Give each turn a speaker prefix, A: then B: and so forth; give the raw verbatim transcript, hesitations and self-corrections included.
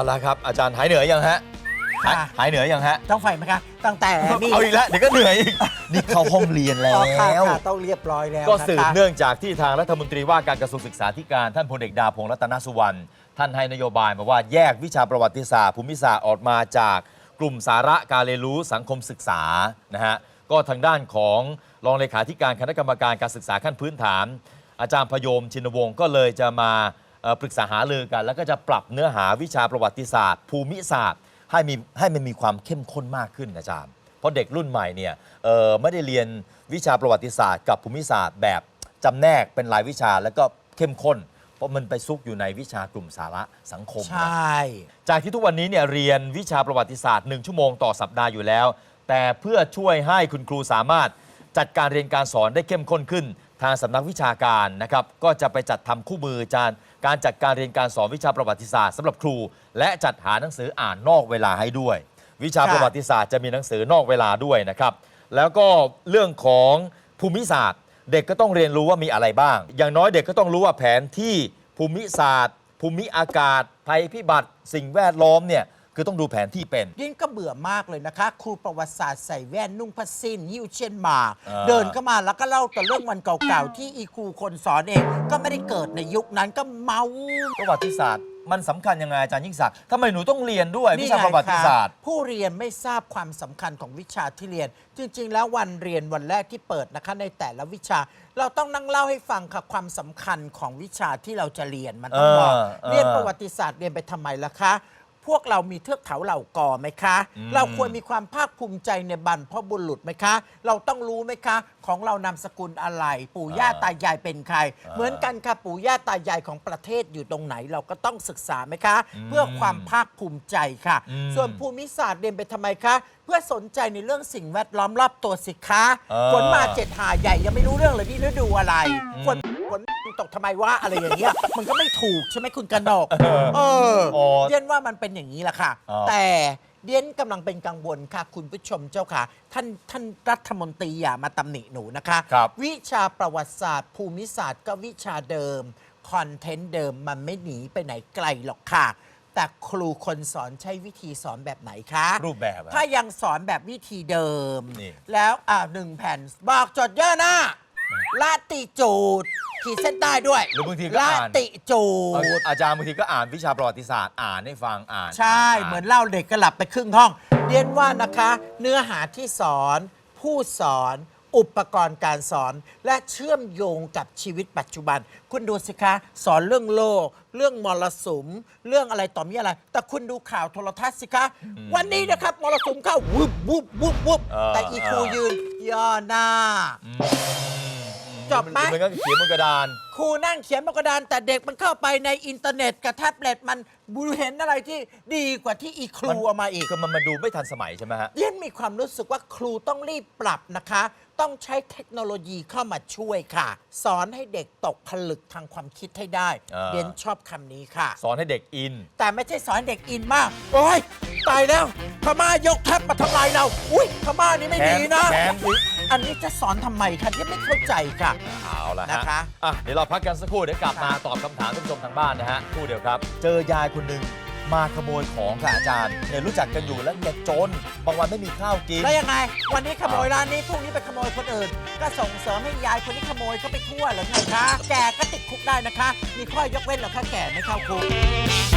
A: ละครับอาจารย์หายเหนื่อยยังฮะหายหายเหนื่อยยังฮะ
B: ต้องไฟไหมคะตั้งแต่นี่
A: เอาอีกแล้วเดี๋ยวก็เหนื่อยอีกนี่เข้าห้องเรียนแล้ว
B: ต้องเรียบร้อยแล้ว
A: ก็สืบเนื่องจากที่ทางรัฐมนตรีว่าการกระทรวงศึกษาธิการท่านพลเอกดาพงษ์รัตนสุวรรณท่านให้นโยบายมาว่าแยกวิชาประวัติศาสตร์ภูมิศาสตร์ออกมาจากกลุ่มสาระการเรียนรู้สังคมศึกษานะฮะก็ทางด้านของรองเลขาธิการคณะกรรมการการศึกษาขั้นพื้นฐานอาจารย์พยมชินวงศ์ก็เลยจะมาปรึกษาหารือกันแล้วก็จะปรับเนื้อหาวิชาประวัติศาสตร์ภูมิศาสตร์ให้มีให้มันมีความเข้มข้นมากขึ้นอาจารย์เพราะเด็กรุ่นใหม่เนี่ยไม่ได้เรียนวิชาประวัติศาสตร์กับภูมิศาสตร์แบบจำแนกเป็นรายวิชาแล้วก็เข้มข้นเพราะมันไปซุกอยู่ในวิชากลุ่มสาระสังคม
B: ใช่
A: จากที่ทุกวันนี้เนี่ยเรียนวิชาประวัติศาสตร์หนึ่งชั่วโมงต่อสัปดาห์อยู่แล้วแต่เพื่อช่วยให้คุณครูสามารถจัดการเรียนการสอนได้เข้มข้นขึ้นทางสำนักวิชาการนะครับก็จะไปจัดทำคู่มือจานการจัดการเรียนการสอนวิชาประวัติศาสตร์สำหรับครูและจัดหาหนังสืออ่านนอกเวลาให้ด้วยวิชาประวัติศาสตร์จะมีหนังสือนอกเวลาด้วยนะครับแล้วก็เรื่องของภูมิศาสตร์เด็กก็ต้องเรียนรู้ว่ามีอะไรบ้างอย่างน้อยเด็กก็ต้องรู้ว่าแผนที่ภูมิศาสตร์ภูมิอากาศภัยพิบัติสิ่งแวดล้อมเนี่ยคือต้องดูแผนที่เป็น
B: ยิ่งก็เบื่อมากเลยนะคะครูประวัติศาสตร์ใส่แว่นนุ่งผ้าสิ้นหิ้วเช่นมาเดินเข้ามาแล้วก็เล่าแต่เรื่องวันเก่าๆที่อีครูคนสอนเองก็ไม่ได้เกิดในยุคนั้นก็เมา
A: ประวัติศาสตร์มันสำคัญยังไงอาจารย์ยิ่งศักดิ์ทำไมหนูต้องเรียนด้วยวิชาประวัติศาสตร์
B: ผู้เรียนไม่ทราบความสำคัญของวิชาที่เรียนจริงๆแล้ววันเรียนวันแรกที่เปิดนะคะในแต่ละวิชาเราต้องนั่งเล่าให้ฟังค่ะความสำคัญของวิชาที่เราจะเรียนมันต้องบอกเรียนประวัติศาสตร์เรียนไปทำไมล่ะคะพวกเรามีเทือกเขาเหล่ากอไหมคะเราควรมีความภาคภูมิใจในบรรพบุรุษไหมคะเราต้องรู้ไหมคะของเรานามสกุลอะไรปู่ย่าตายายเป็นใครเหมือนกันค่ะปู่ย่าตายายของประเทศอยู่ตรงไหนเราก็ต้องศึกษาไหมคะเพื่อความภาคภูมิใจค่ะส่วนภูมิศาสตร์เรียนไปทำไมคะเพื่อสนใจในเรื่องสิ่งแวดล้อมรอบตัวสิคะฝนมาเจ็ดหาใหญ่ยังไม่รู้เรื่องเลยนี่ฤดูอะไรฝนฝนตกทำไมวะอะไรอย่างเงี้ยมันก็ไม่ถูกใช่ไหมคุณกนกเออเรียนว่ามันเป็นอย่างนี้แหละค่ะแต่เดียนกำลังเป็นกังวลค่ะคุณผู้ชมเจ้าค่ะท่านท่านรัฐมนตรีอย่ามาตำหนิหนูนะคะวิชาประวัติศาสตร์ภูมิศาสตร์ก็วิชาเดิมคอนเทนต์เดิมมันไม่หนีไปไหนไกลหรอกค่ะแต่ครูคนสอนใช้วิธีสอนแบบไหนคะ
A: รูปแบบ
B: ถ้ายังสอนแบบวิธีเดิมแล้วอ่าหนึ่งแผ่นบอกจดเยอะนะลาติจูดขีดเส้นใต้ด้วย
A: หรือบางทีก็อ่าน
B: ลาติจูด
A: อาจารย์บางทีก็อ่านวิชาประวัติศาสตร์อ่านให้ฟังอ่าน
B: ใช่เหมือนเล่าเด็กก็หลับไปครึ่งห้องเรียนว่านะคะเนื้อหาที่สอนผู้สอนอุปกรณ์การสอนและเชื่อมโยงกับชีวิตปัจจุบันคุณดูสิคะสอนเรื่องโลกเรื่องมรสุมเรื่องอะไรต่อมีอะไรแต่คุณดูข่าวโทรทัศน์สิคะวันนี้นะครับมรสุมเข้าวุบวุบวุบวุบแต่อีครูยืนย่อหน้าจบไหม
A: มันก็เขียนบนกระดาน
B: ครูนั่งเขียนบนกระดานแต่เด็กมันเข้าไปในอินเทอร์เน็ตกับแท็บเล็ตมันบูเห็นอะไรที่ดีกว่าที่อีครูเอามาอีก
A: คือมันมาดูไม่ทันสมัยใช่ไหมฮะ
B: เรียนมีความรู้สึกว่าครูต้องรีบปรับนะคะต้องใช้เทคโนโลยีเข้ามาช่วยค่ะสอนให้เด็กตกผลึกทางความคิดให้ได้เรียนชอบคำนี้ค่ะ
A: สอนให้เด็กอิน
B: แต่ไม่ใช่สอนเด็กอินมากโอ้ยตายแล้วพม่ายกทัพมาทำลายเราอุ้ยพม่านี่ไม่ดีนะอันนี้จะสอนทำไมคะยังไม่เข้าใจค่ะ
A: เอาละ
B: นะคะ
A: อ่ะเดี๋ยวเราพักกันสักครู่เดี๋ยวกลับมาตอบคำถามท่านผู้ชมทางบ้านนะฮะครู่เดียวครับเจอยายคนหนึ่งมาขโมยของค่ะอาจารย์เนี่ยรู้จักกันอยู่แล้วแกจนบางวันไม่มีข้าวกิน
B: แล้วยังไงวันนี้ขโมยร้านนี้พรุ่งนี้ไปขโมยคนอื่นก็ส่งเสริมให้ยายคนนี้ขโมยเขาไปทั่วหรือไงคะแกก็ติดคุกได้นะคะมีข้อยกเว้นหรอคะแกไม่เข้าคุก